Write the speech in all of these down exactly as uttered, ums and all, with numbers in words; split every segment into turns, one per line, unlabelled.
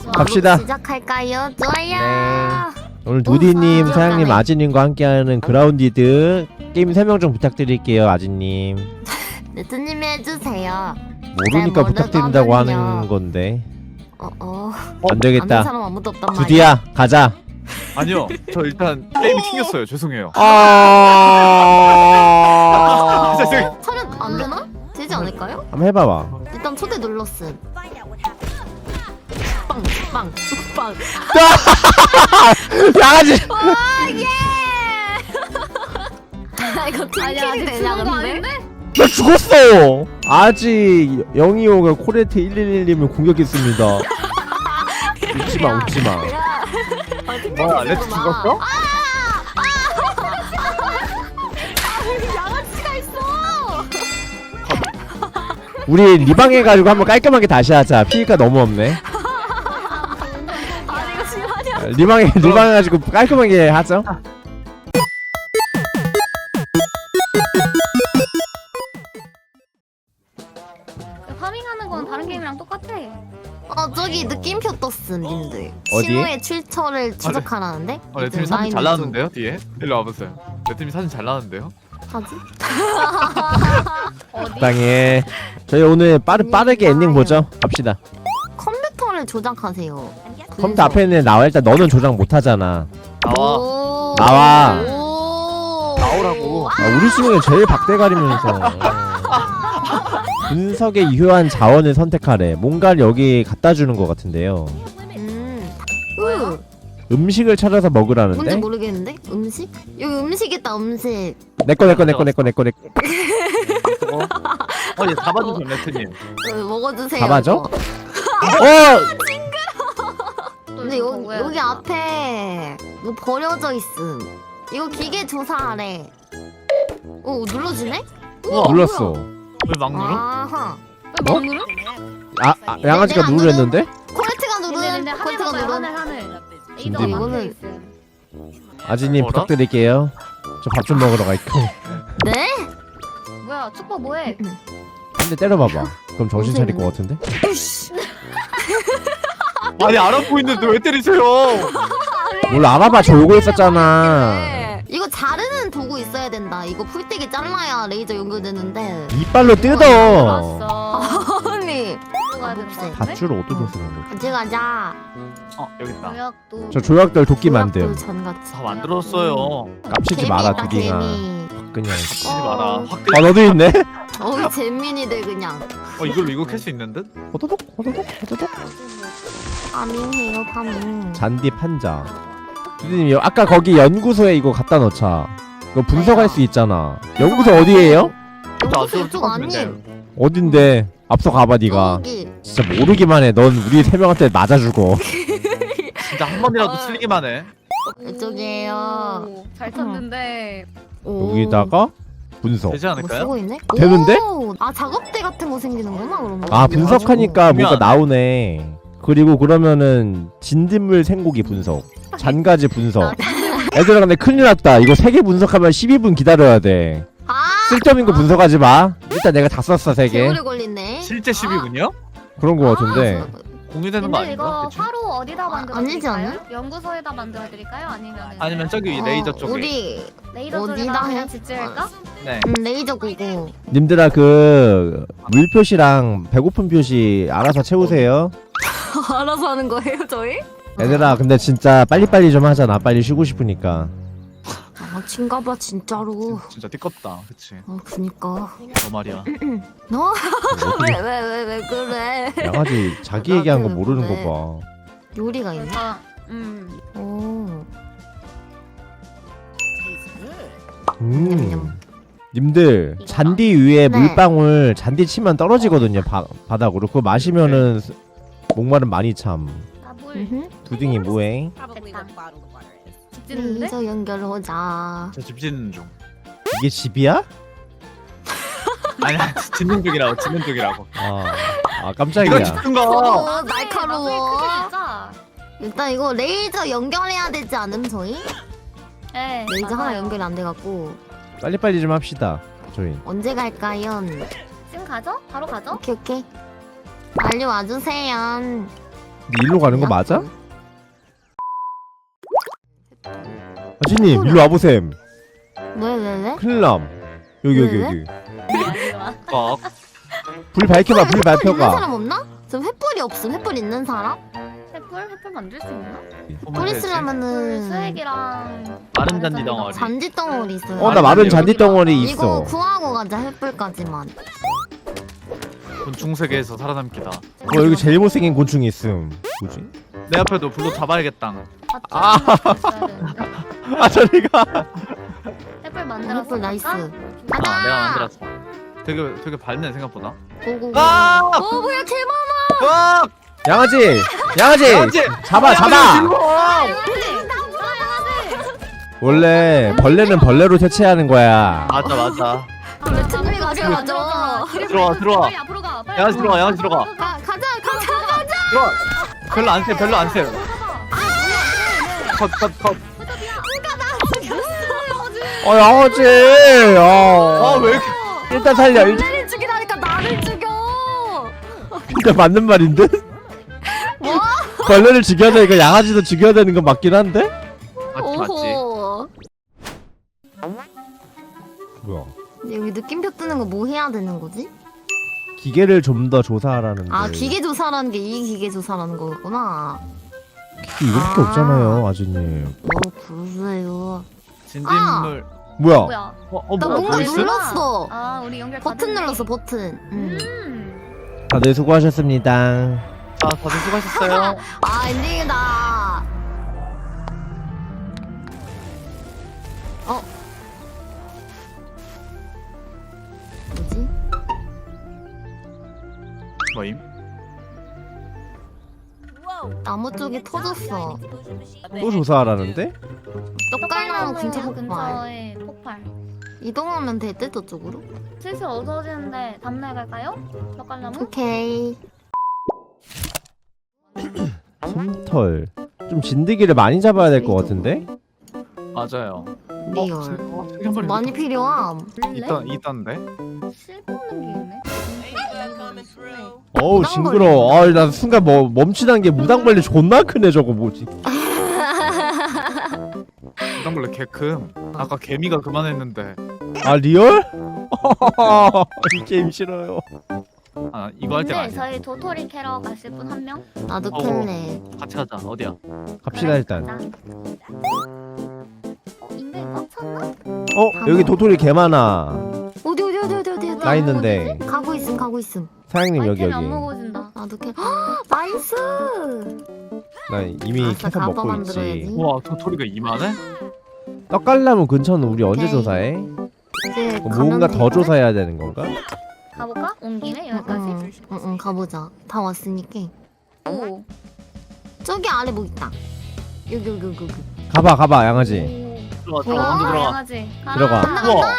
갑시다.
시작할까요? 좋아요.
네. 오늘 두디님,
오,
사장님,
들어가네.
아지님과 함께하는 그라운디드 게임 설명 좀 부탁드릴게요, 아지님.
네트님이 해주세요.
모르니까
잘
부탁드린다고
모르거든요.
하는 건데.
어 어.
안
아는
되겠다.
사람 아무도 없단 말이야.
두디야, 가자.
아니요, 저 일단 게임이 튕겼어요. 죄송해요.
아.
죄송해요.
차면 안 되나? 되지 않을까요?
한번 해봐봐.
일단 초대 눌렀음. 빵, 빵, 빵.
양아지.
와 예! 이거 팀킬이 되냐 근데?
나 죽었어. 아직 영이오가 코레트 일일일님을 공격했습니다. 웃지마, 웃지마.
뭐, 레트 죽었어?
양아치가 있어.
우리 리방 해가지고 한번 깔끔하게 다시 하자. 피해가 너무 없네.
아니 이거 실화냐?
리방에 리방 해가지고 깔끔하게 하죠.
파밍하는 건 다른 게임이랑 똑같아.
어 저기 느낌표 떴음 님들.
어디에?
신호의 출처를 추적하라는데?
어, 레트님 사진 잘 나왔는데요, 뒤에? 일로 와보세요. 레트님 사진 잘 나왔는데요?
하지?
어디?
땅에 저희 오늘 빠르 빠르게 엔딩 보죠. 갑시다.
컴퓨터를 조작하세요.
컴퓨터 앞에는 나와. 일단 너는 조작 못 하잖아.
나와.
오.
나와.
오.
나오라고.
아, 우리 중에 제일 박대 가리면서 분석의 유효한 자원을 선택하래. 뭔가를 여기 갖다 주는 것 같은데요.
음.
뭐예요?
으,
음식을 찾아서
뭔지
먹으라는데.
모르겠는데? 음식? 여기 음식 있다 음식.
내꺼 내꺼 내꺼 내꺼 내꺼 내꺼.
어, 어, 얘 잡아주세요, 레트님.
어, 먹어주세요.
잡아줘?
이거.
어.
근데 여, 여기 앞에 뭐 버려져 있음. 이거 기계 조사하래. 오 눌러지네? 우와,
눌렀어.
뭐야.
왜 막 눌러?
아하.
뭐?
뭐 누르?
아, 아 양아지가
내가 안
누르랬는데?
코레트가
근데
누른.
근데 하늘
코레트가
봐봐요.
누른.
하늘 하늘.
근데
레이더가
이거는-
막혀 있음.
아지님
뭐라?
부탁드릴게요. 저 밥 좀 먹으러 갈게요.
네?
뭐야 축복 뭐해?
한 대 때려봐봐. 그럼 정신 차릴 것 같은데?
으씨.
아니, 알아보고 있는데 왜 때리세요?
몰라, 알아봐. 졸고 있었잖아.
이거 자르는 도구 있어야 된다. 이거 풀떼기 잘라야 레이저 연결되는데.
이빨로 뜯어.
알았어.
아니.
가야 되는 거 같은데?
밧줄 어떻게 쓰는 거지?
같이 가자.
어, 여기 있다.
조약도.
저 조약돌 도끼 만듦.
전같이.
다 만들었어요.
깝치지 마라, 두딩아.
개미.
그냥.
치지
어.
마라. 확
아, 너도 있네?
어이 잼민이들 그냥.
어, 이걸로 이거 캘 수 있는 듯?
호도독, 호도독, 호도독.
파밍해요 파밍.
잔디 판자. 두디님, 아까 거기 연구소에 이거 갖다 넣자. 이거 분석할 수 있잖아. 연구소 어디에요?
연구소 이쪽 아님.
어딘데? 앞서 가봐, 니가.
저기.
진짜 모르기만 해. 넌 우리 세 명한테 맞아 죽어.
진짜 한 번이라도 틀리기만 해.
이쪽이에요.
오, 잘 찾는데.
오.
여기다가 분석.
되지
뭐
않을까요?
쓰고 있네?
되는데?
오! 아 작업대 같은 거 생기는구나 그러면.
아, 분석하니까
보면
뭔가
안 돼.
나오네. 그리고 그러면은 진딧물 생고기 분석, 잔가지 분석. 애들아, 근데 큰일 났다. 이거 세 개 분석하면 십이 분 기다려야 돼.
아!
쓸데없는 거 분석하지 마. 일단 내가 다 썼어, 세 개.
개오래 걸리네.
실제 십이군요?
그런 거 같은데.
아,
공유되는 거
근데
아닌가?
이거
대충?
화로 어디다 만들어
아니지
드릴까요?
않나?
연구소에다 만들어 드릴까요? 아니면
아니면 저기
어,
레이저 쪽에.
우리
레이더
어디다
쪽에다
해?
그냥 짓지을까?
네.
음, 레이저 고고.
님들아, 그 물 표시랑 배고픈 표시 알아서 채우세요.
알아서 하는 거예요 저희?
얘들아, 근데 진짜 빨리빨리 좀 하자. 나 빨리 쉬고 싶으니까.
아 친가봐 진짜로.
진짜 띠껍다. 그치.
아 그니까.
너 말이야.
너?
어떻게
왜 왜 왜 왜 그래?
양아지 자기 얘기한 거 모르는
그래.
거
요리가 있네.
그래서 음
오.
봐. 음.
냠냠.
님들, 잔디 위에
네.
물방울 잔디 치면 떨어지거든요. 바, 바닥으로. 그거 마시면은 스- 목마름 많이 참.
나물
음흠.
두딩이 뭐해?
짓는데?
레이저 연결하자.
저 집 짓는 중.
이게 집이야?
아니야, 짓는 중이라고, 짓는 중이라고.
아, 아
이거
깜짝이야.
짓는 거!
오 날카로워.
진짜.
일단 이거 레이저 연결해야 되지 않음 저희?
네.
레이저 하나
맞아요.
연결이 안 돼갖고
빨리빨리 좀 합시다. 저희.
언제 갈까요?
지금 가죠? 바로 가죠?
오케이 오케이. 빨리 와주세요.
근데 일로 가는 거 맞아? 아지님 일로 와보셈.
왜 왜 왜?
큰일남. 여기 여기
왜,
여기.
꽉.
불 밝혀봐. 불
있는
밝혀봐.
사람 없나? 저 횃불이 없음. 횃불 있는 사람?
횃불? 횃불 만들 수 있나?
뿔
횃불
있으려면은
수액이랑
마른 잔디 덩어리.
잔디 덩어리 있어요.
어 나 마른 잔디 덩어리
이거
있어.
구하고 가자. 횃불까지만.
곤충 세계에서 살아남기다.
어 여기 제일 못생긴 곤충이 있음. 뭐지?
내 앞에도 불로 잡아야겠다.
아. 아 저리가.
횃불 만들었어.
횃불 나이스.
아
가자.
내가 만들었어. 되게 되게 밝네 생각보다.
고고.
아!
어 뭐야 개 많아.
와!
양아지. 양아지.
양아지!
잡아 잡아. 원래 벌레는 벌레로 퇴치하는 거야.
맞아 맞아.
왜 틈이 가져가죠?
들어와 들어와.
빨리 앞으로 가. 빨리
양아지 들어가 양아지 들어가.
가 가자 가자 가자.
들어와. 별로 안 세, 별로 안 세. 컷, 컷, 컷.
어 양아지. 어.
아, 왜 이렇게.
일단 살려. 일단,
나를 죽이라니까 나를 죽여.
일단 맞는 말인데?
뭐?
벌레를 죽여야 되니까 양아지도 죽여야 되는 건 맞긴 한데?
맞지, 맞지.
오호.
뭐야?
근데 여기 느낌표 뜨는 거 뭐 해야 되는 거지?
기계를 좀 더 조사하라는
아
데.
기계 조사라는 게 이 기계 조사라는 거구나.
기계 이렇게
아.
없잖아요, 아주님.
어 그러세요.
진딧물.
뭐야?
뭐야?
어, 어,
나
뭐,
뭔가
뭐 있어?
눌렀어.
아 우리 연결 다
버튼
됐네.
눌렀어 버튼. 음.
음.
다들 수고하셨습니다.
아, 다들 수고하셨어요.
아 엔딩이다. 어? 뭐지?
뭐임?
나무 쪽이 터졌어.
또 조사하라는데?
떡갈나무 근처
떡갈나무
폭발.
근처에 폭발.
이동하면 될 듯 저쪽으로?
슬슬 어두워지는데 담내 갈까요? 떡갈나무?
오케이.
솜털. 좀 진드기를 많이 잡아야 될 것 같은데?
맞아요.
리얼.
어, 되게 한 마리
많이 필요함.
있던, 있던데?
실 뽑는 게 있네.
어우 징그러워. 아, 나 순간 뭐 멈추는 게 무당벌레 존나 크네 저거 뭐지?
무당벌레 개 큼. 아까 개미가 그만했는데.
아 리얼? 이 게임 싫어요.
아, 이거 할 때가
근데
아니야.
저희 도토리 캐러 가실 분 한 명?
나도
어.
캘래.
같이 가자. 어디야?
갑시다 일단.
가자. 어, 인벤 꽉 찼나?
어 여기 도토리 개 많아.
어디 어디 어디 어디 어디 어디.
나 있는데.
가고 있음 가고 있음.
사장님 여기
아이템이
여기.
안 먹어진다.
나도 캘. 헉, 나이스.
나 이미
아싸,
캐서
가봐
먹고
만들어야지.
있지.
우와, 도토리가 이만해?
떡갈나무 근처는 우리 언제
오케이.
조사해?
이제
뭐 뭔가 더 조사해야 되는 건가?
가볼까? 온 김에 여기까지.
응응 가보자. 다 왔으니까.
오.
저기 아래 뭐 있다. 여기 여기 여기. 여기.
가봐 가봐 양아지.
들어가, 들어가, 먼저
아,
들어가.
양아지. 가라.
들어가.
우와!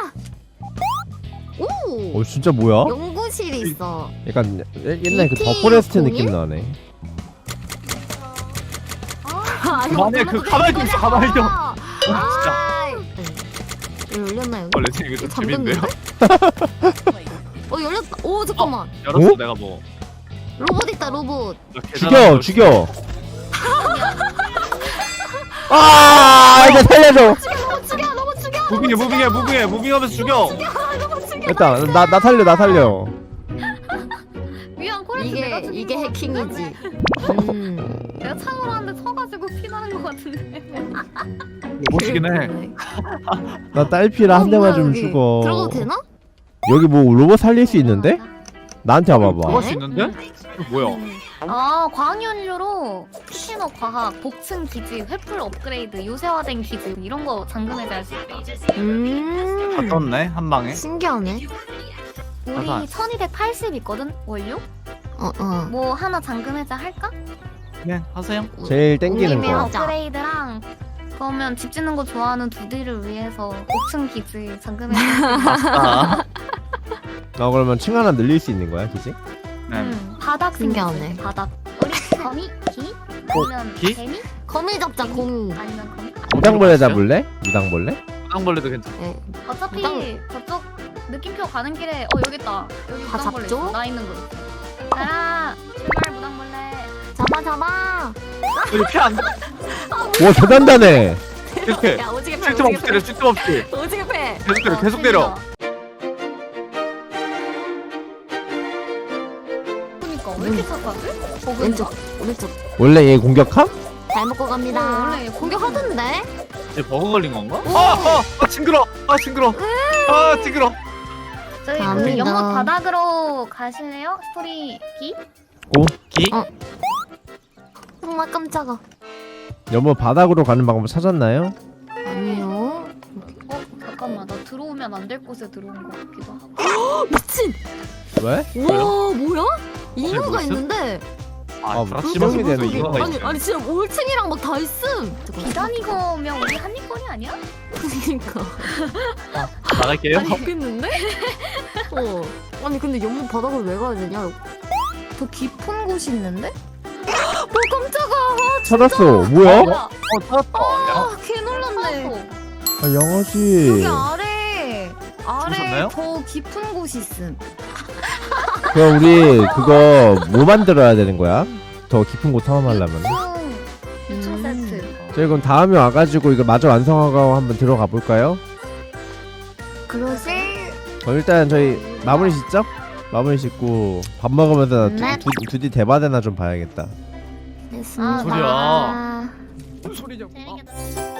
오.
어 진짜 뭐야?
연구실이 있어.
약간 예- 옛날 그
이티
더 포레스트
공일?
느낌 나네.
아,
그만해, 그 가만히 좀 있어, 가만히 좀.
아,
진짜.
여기 열렸나 여기?
어, 레진 이거 좀 재밌는데요?
잠겼는데? 어 열렸다. 오 잠깐만.
열었어,
어?
내가 뭐.
로봇 있다 로봇.
나 계단
죽여
안
죽여. 아 이제 살려줘.
죽여 죽여 로봇 죽여.
무빙해, 무빙해, 무빙해, 무빙하면서 죽여!
일단 나 나 살려 나 살려.
위안 코레트
이게
내가 죽인
이게
거
해킹이지. 음.
내가 창으로 하는데 쳐가지고 피 나는 거 같은데.
멋이긴 해.
나 딸피라 한
어,
대만
뭐야,
좀
여기.
죽어.
들어가도 되나?
여기 뭐 로봇 살릴 수 있는데? 나한테 와봐봐.
들어갈 수 있는데? 이거 뭐야?
아 광연료로 신호 과학, 복층 기지, 횃불 업그레이드, 요새화된 기지 이런 거 잠금 해제할 수 있대.
다
음.
떴네, 한 방에.
신기하네.
우리
맞아.
천이백팔십 있거든 원료?
어 어.
뭐 하나 잠금 해제 할까?
네, 하세요.
제일 땡기는
올리면
거.
하자.
업그레이드랑 그러면 집 짓는 거 좋아하는 두디를 위해서 복층 기지 잠금 해제.
아,
나 그러면 층 하나 늘릴 수 있는 거야, 기지?
네.
음, 바닥
신기하네.
생겼어, 바닥. 우리 거미? 기? 아니면
기?
개미?
거미 잡자 거미.
아니면 거미?
무당벌레 잡을래? 무당벌레?
무당벌레도 괜찮아.
네.
어차피
무당-
저쪽 느낌표 가는 길에 어 여기 있다. 여기
다
무당벌레
잡죠?
있어. 나 있는 거 있어. 가라. 출발 무당벌레.
잡아 잡아 잡아.
우리 피안 돼.
와 대단다네.
계속 해.
야 오지게 패.
쓸데없이 때려 쓸데없이.
오지게 패.
계속 때려 계속 때려.
그러니까 왜 이렇게 착하지? 버그인가?
왼쪽 오른쪽.
원래 얘 공격함?
잘 먹고 갑니다.
어, 원래
공격하던데?
이제 버그 걸린 건가? 아, 아, 아 징그러. 아 징그러. 아 징그러.
저희 그
갑니다.
연못 바닥으로 가실래요? 스토리 기?
기?
어. 정말 깜짝아.
여보 바닥으로 가는 방법 찾았나요?
아니요.
어 잠깐만 나 들어오면 안 될 곳에 들어온 것 같기도 하고.
미친.
왜?
와 뭐야? 이유가
뭐 있음?
있는데.
아
아,
불확실한
수정이 되는
이유가
이유가
아니
있네.
아니 진짜 올층이랑 막 다 있음.
비단이거면 우리 한입거리 아니야?
그니까.
나갈게요.
아니 모르겠는데? 어. 아니 근데 연못 바닥을 왜 가야 되냐? 더 깊은 곳이 있는데? 어 깜짝아.
찾았어. 뭐야?
아,
어 찾았다. 야,
아, 개 놀랐네.
아 영어지.
여기 아래 아래
주무셨나요?
더 깊은 곳이 있음.
그럼 우리 그거 뭐 만들어야 되는 거야? 더 깊은 곳 탐험하려면.
유충 유충
음.
세트.
저희 그럼 다음에 와가지고 이거 마저 완성하고 한번 들어가 볼까요?
그러지?
그럼 일단 저희 마무리 짓죠? 마무리 짓고 밥 먹으면서
네.
두, 두, 두디 대바대나 좀 봐야겠다.
됐습니다.
소리야.
무슨 소리냐고.
재밌게 놀았어.